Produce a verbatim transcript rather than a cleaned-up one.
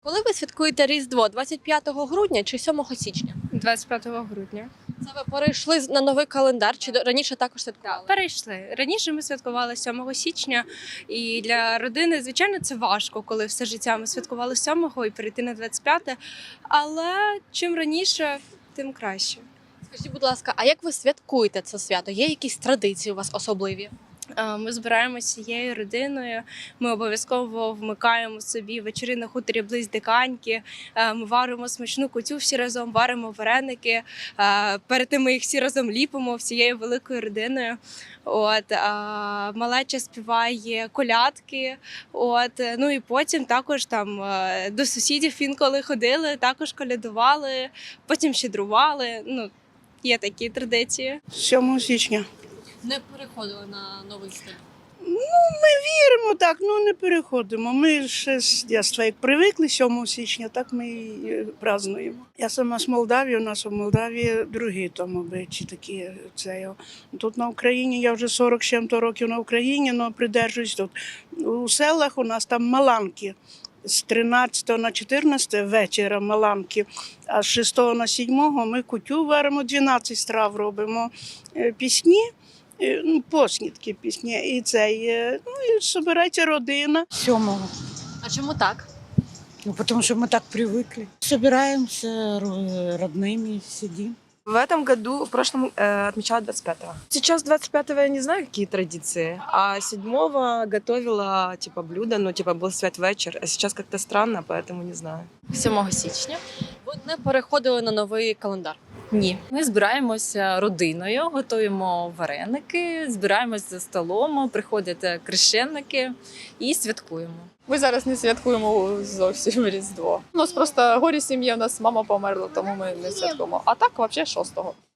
Коли ви святкуєте Різдво? двадцять п'ятого грудня чи сьомого січня? двадцять п'ятого грудня. Це ви перейшли на новий календар чи до- раніше також святкували? Перейшли. Раніше ми святкували сьомого січня, і для родини, звичайно, це важко, коли все життя ми святкували сьомого і перейти на двадцять п'яте. Але чим раніше, тим краще. Скажіть, будь ласка, а як ви святкуєте це свято? Є якісь традиції у вас особливі? Е, Ми збираємося всією родиною. Ми обов'язково вмикаємо собі вечори на хуторі близь Диканьки. Е, Ми варимо смачну кутю всі разом, варимо вареники. Е, Перед тим ми їх всі разом ліпимо всією великою родиною. От а, малеча співає колядки. От е, ну і потім також там е, до сусідів інколи ходили, також колядували, потім щедрували. Ну, є такі традиції. сьомого січня. Не переходили на новий стиль. Віримо так, ну не переходимо. Ми ще з дитинства, як привикли сьомого січня, так ми і е, празднуємо. Я сама з Молдавії, у нас у Молдавії другі там обичаї такі. Це, о. Тут на Україні, я вже сорок з чим-то років на Україні, але придержуюсь тут. У селах у нас там маланки. З тринадцятого на чотирнадцяте вечора маланки, а з шостого на сьомого ми кутю варимо, дванадцять страв робимо, е, пісні. Е, Ну, поснідки пісні. І цей, е, ну, і збирається родина. Сьомого. А чому так? Ну, потому что мы так привыкли. Собираемся ро- родными, сидим. В этом году, в прошлом э, отмечала двадцать пятого. Сейчас двадцать пятого я не знаю, какие традиции, а седьмого готовила типа блюдо, ну типа был святвечер, а сейчас как-то странно, поэтому не знаю. сьомого січня. Ви не переходили на новий календар. Ні, ми збираємося родиною, готуємо вареники, збираємося за столом, приходять крещенники і святкуємо. Ми зараз не святкуємо зовсім Різдво. У нас просто горі сім'ї, у нас мама померла, тому ми не святкуємо. А так, взагалі, шостого.